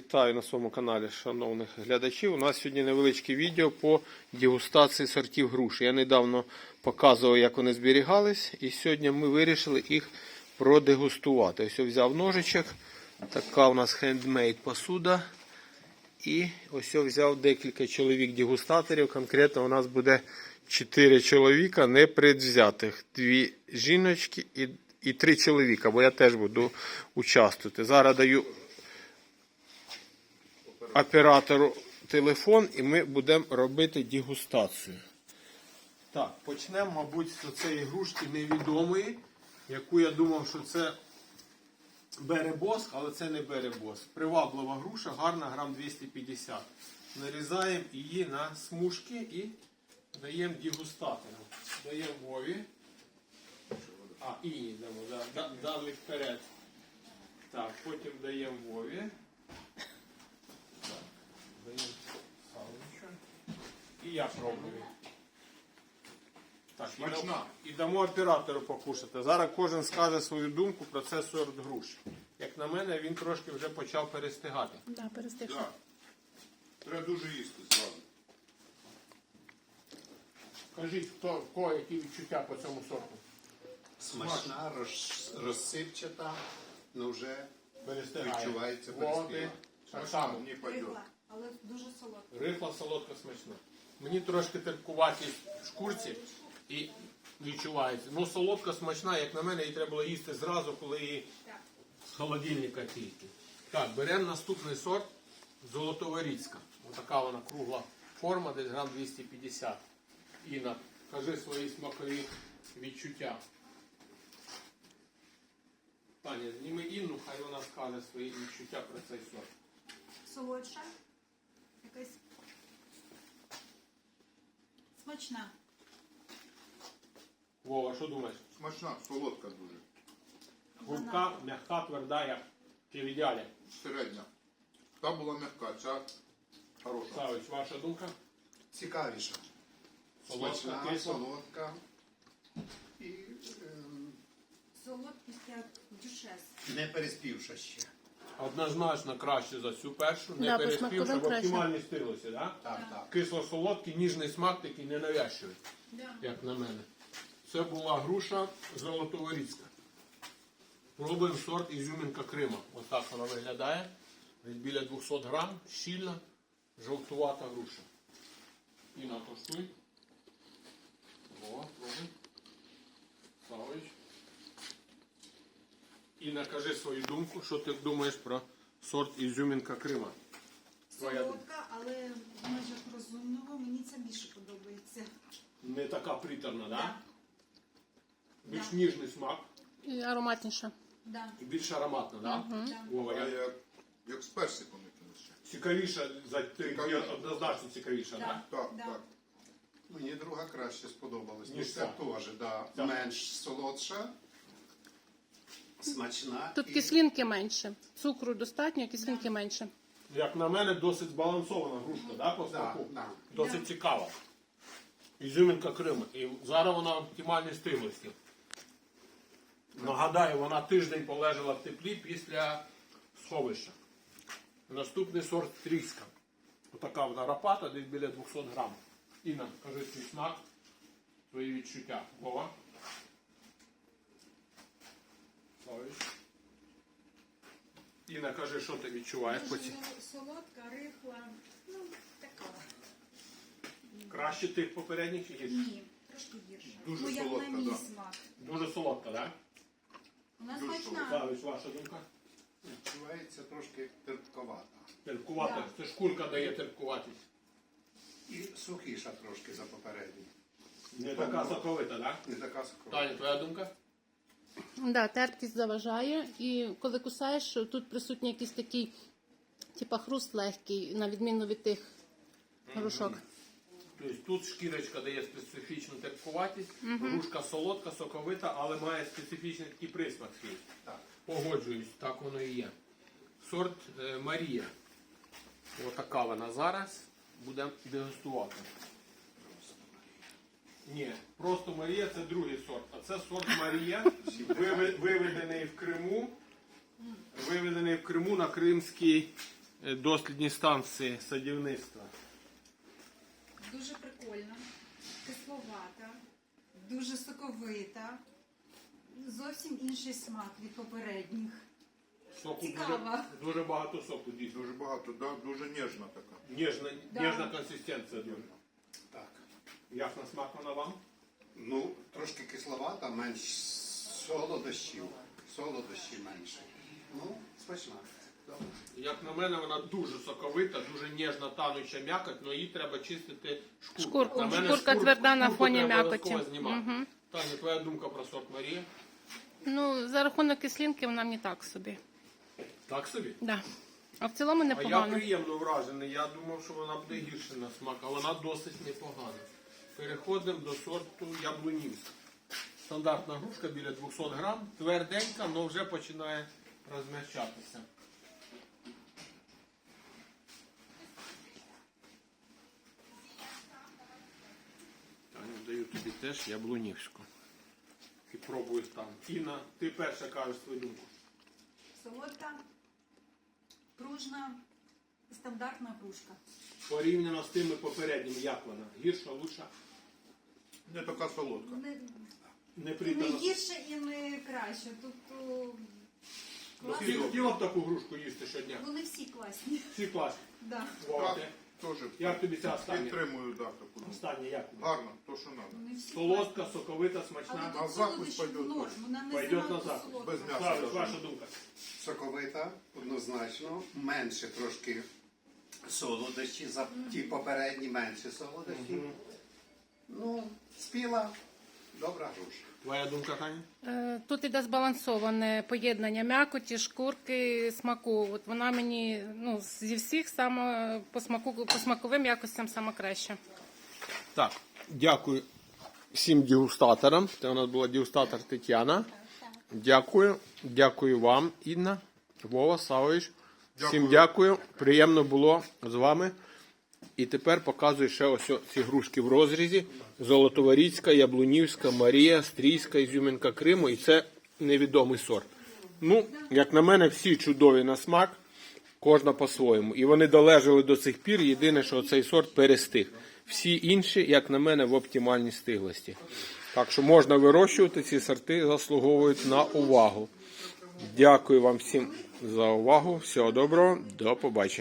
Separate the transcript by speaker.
Speaker 1: Вітаю на своєму каналі шановних глядачів. У нас сьогодні невеличке відео по дегустації сортів груші. Я недавно показував, як вони зберігались, і сьогодні ми вирішили їх продегустувати. Ось я взяв ножичок, така у нас хендмейд посуда. І ось я взяв декілька чоловік-дегустаторів. Конкретно у нас буде 4 чоловіка непредвзятих. 2 жіночки і 3 чоловіка, бо я теж буду участвувати. Зараз даю оператору телефон і ми будемо робити дегустацію. Так, почнемо, мабуть, з цієї грушки невідомої, яку я думав, що це беребоск, але це не беребоск. Приваблива груша, гарна, грам 250. Нарізаємо її на смужки і даємо дегустатору. Даємо Вові. І дамо, дали вперед. Так, потім даємо Вові. Даємо салочку. І я пробую. Так, і дамо оператору покушати. Зараз кожен скаже свою думку про цей сорт груші. Як на мене, він трошки вже почав перестигати.
Speaker 2: Так, перестиг.
Speaker 3: Да. Треба дуже їсти зразу.
Speaker 1: Кажіть, в кого які відчуття по цьому сорту?
Speaker 3: Смачна, розсипчата, але вже
Speaker 1: Перестигає.
Speaker 3: відчувається
Speaker 1: Води.
Speaker 3: переспіла.
Speaker 1: Так само.
Speaker 3: Мені пойде.
Speaker 4: Рихла, але дуже солодка.
Speaker 1: Рихла, солодка, смачна. Мені трошки терпкуватість в шкурці і відчувається. Ну, солодка, смачна, як на мене, її треба було їсти зразу, коли її з холодильника тільки. Так, беремо наступний сорт Золотоворіцька. Ось така вона кругла форма, десь грам 250. Інна, кажи свої смакові відчуття. Таня, зніми Інну, хай вона скаже свої відчуття про цей сорт.
Speaker 4: Солодша. Якась смачна.
Speaker 1: Вова, що думаєш?
Speaker 3: Смачна, солодка дуже.
Speaker 1: Губка, м'яка, тверда, як чи в ідеалі.
Speaker 3: Середня. Та була м'яка, ця хороша.
Speaker 1: Савич, ваша думка?
Speaker 3: Цікавіша.
Speaker 1: Солодка,
Speaker 3: Смачна,
Speaker 1: кисла.
Speaker 3: солодка. І
Speaker 4: Солодкість як дюшес.
Speaker 3: не переспівша ще.
Speaker 1: Однозначно краще за цю першу, не
Speaker 2: Да, по
Speaker 1: переспівши,
Speaker 2: смаковим
Speaker 1: в
Speaker 2: краще.
Speaker 1: оптимальній стилості, так?
Speaker 3: Так, так.
Speaker 1: Кисло-солодкий, ніжний смак такий ненавязчивий,
Speaker 4: Да.
Speaker 1: як на мене. Це була груша Золотоворіцька. Пробуємо сорт Ізюмінка Крима. Ось так вона виглядає. Десь біля 200 грам, щільна, жовтувата груша. Інна, коштуй. О, пробуй. Савич. Інна, кажи свою думку, що ти думаєш про сорт Ізюмінка Крима. Твоя думка.
Speaker 4: Солодка, але в межах розумного мені це більше подобається.
Speaker 1: Не така приторна, так? Да?
Speaker 4: Да.
Speaker 1: Більш
Speaker 4: Да.
Speaker 1: ніжний смак
Speaker 2: І ароматніше.
Speaker 4: Да.
Speaker 1: і більш ароматна, так? Да?
Speaker 4: Да.
Speaker 1: Вова,
Speaker 3: А
Speaker 1: як?
Speaker 3: як з персиком якимось ще.
Speaker 1: Цікавіша, за
Speaker 3: Цікавіша.
Speaker 1: однозначно цікавіша,
Speaker 4: Да.
Speaker 1: так?
Speaker 3: Так,
Speaker 4: Да.
Speaker 3: так. Мені друга краще сподобалась.
Speaker 1: Ніж
Speaker 3: Ніж це
Speaker 1: ця.
Speaker 3: теж, да.
Speaker 1: Ця.
Speaker 3: Менш солодша. Смачна.
Speaker 2: Тут
Speaker 3: і
Speaker 2: кислинки менше. Цукру достатньо, кислинки менше.
Speaker 1: Як на мене, досить збалансована грушка, да, по
Speaker 3: Да,
Speaker 1: смаку?
Speaker 3: да.
Speaker 1: Досить
Speaker 4: Да.
Speaker 1: цікава. Ізюмінка Крима. І зараз вона в оптимальній стиглості. Нагадаю, вона тиждень полежала в теплі після сховища. Наступний сорт Тріска. Отака вона рапата, десь біля 200 грам. Інна, кажи свій смак, свої відчуття. Вова. Славич. Інна, кажи, що ти відчуваєш по цій?
Speaker 4: Дуже солодка, рихла. Ну, така.
Speaker 1: Краще тих попередніх чи гірше?
Speaker 4: Ні, трошки гірша.
Speaker 3: Дуже
Speaker 4: ну, як
Speaker 3: солодка,
Speaker 4: на мій
Speaker 3: да.
Speaker 4: смак.
Speaker 1: Дуже солодка, так?
Speaker 4: Вона
Speaker 3: Дуже
Speaker 4: смачна.
Speaker 1: Славич, ваша думка?
Speaker 3: відчувається трошки терпковата.
Speaker 1: Терпкувата. Це шкурка дає терпкуватість.
Speaker 3: І сухіша трошки за попередній.
Speaker 1: Не така соковита, так?
Speaker 3: Не така соковита.
Speaker 1: Таня, твоя думка?
Speaker 2: Да, терпкість заважає. І коли кусаєш, тут присутній якийсь такий, типа хруст легкий, на відміну від тих грушок.
Speaker 1: Тобто тут шкірочка дає специфічну терпкуватість, грушка солодка, соковита, але має специфічний такий присмак свій.
Speaker 3: Так.
Speaker 1: Погоджуюсь, так воно і є. Сорт Марія. Отака вона зараз. Будемо дегустувати. Ні, просто Марія це другий сорт. А це сорт Марія, виведений в Криму на кримський дослідні станції садівництва.
Speaker 4: Дуже прикольно, кисловата, дуже соковита. Зовсім інший смак від попередніх.
Speaker 1: Соку
Speaker 4: Цікаво.
Speaker 1: дуже багато соку дійсно.
Speaker 3: Дуже багато, да? Дуже ніжна така.
Speaker 1: Ніжна, ніжна консистенція дуже.
Speaker 5: Так.
Speaker 1: Як на смак вона вам?
Speaker 5: Ну, трошки кисловата, менш солодощів. Солодощі менше. Ну, смачна. Добре.
Speaker 1: Як на мене, вона дуже соковита, дуже ніжна, тануча м'якоть, але її треба чистити шкурку.
Speaker 2: Шкурку.
Speaker 1: На мене
Speaker 2: Шкурка тверда на
Speaker 1: шкурку
Speaker 2: фоні
Speaker 1: треба
Speaker 2: м'якоті.
Speaker 1: обов'язково знімати.
Speaker 2: Мгм.
Speaker 1: Таня, твоя думка про сорт Марія?
Speaker 2: Ну, за рахунок кислинки вона мені так собі.
Speaker 1: Так собі?
Speaker 2: Да. А в цілому
Speaker 1: А я
Speaker 2: непогано.
Speaker 1: приємно вражений. Я думав, що вона буде гірше на смак, а вона досить непогана. Переходимо до сорту яблунівська. Стандартна грушка біля 200 грам, тверденька, але вже починає розм'якчатися. Таню, даю тобі теж яблунівську. І пробую там. Інна, ти перша кажеш свою думку.
Speaker 4: Солодка, пружна, стандартна грушка.
Speaker 1: Порівняно з тими попередніми, як вона? Гірша, лучша?
Speaker 3: Не така солодка.
Speaker 4: Не,
Speaker 1: Не
Speaker 4: і не
Speaker 1: притала.
Speaker 4: гірше, і не краще. Тут класно.
Speaker 1: Ти хотіла б таку грушку їсти щодня?
Speaker 4: Вони всі класні.
Speaker 1: Всі класні.
Speaker 4: Да.
Speaker 1: Вова,
Speaker 3: Так,
Speaker 1: ти?
Speaker 3: теж.
Speaker 1: Як тобі ця остання?
Speaker 3: Підтримую, да, таку.
Speaker 1: Остання як тобі?
Speaker 3: Гарно, то, що треба.
Speaker 4: Вони всі
Speaker 1: Солодка, соковита,
Speaker 4: Але
Speaker 1: смачна.
Speaker 3: На
Speaker 4: тут
Speaker 3: закусь
Speaker 4: солодощі
Speaker 3: пойдет
Speaker 4: в норм.
Speaker 3: точно.
Speaker 4: Вона не
Speaker 1: Пойдет
Speaker 4: занадто
Speaker 1: на закусь.
Speaker 4: солодка.
Speaker 3: Без м'яса.
Speaker 1: Славич,
Speaker 3: даже.
Speaker 1: ваша думка.
Speaker 5: Соковита, однозначно. Менше трошки солодощі. За ті попередні менше солодощі. Ну, спіла, добра груша.
Speaker 1: Твоя думка, Таня?
Speaker 2: Тут іде збалансоване поєднання м'якоті, шкурки, смаку. От вона мені ну, зі всіх саме по смаковим якостям саме краще.
Speaker 1: Так, дякую всім дегустаторам. Це у нас була дегустатор Тетяна. Дякую. Дякую вам, Інна, Вова, Савович. Всім дякую. Приємно було з вами. І тепер показую ще ось ці грушки в розрізі. Золотоворіцька, Яблунівська, Марія, Стрійська, Ізюминка Криму. І це невідомий сорт. Ну, як на мене, всі чудові на смак. Кожна по-своєму. І вони долежали до цих пір. Єдине, що цей сорт перестиг. Всі інші, як на мене, в оптимальній стиглості. Так що можна вирощувати, ці сорти заслуговують на увагу. Дякую вам всім за увагу. Всього доброго. До побачення.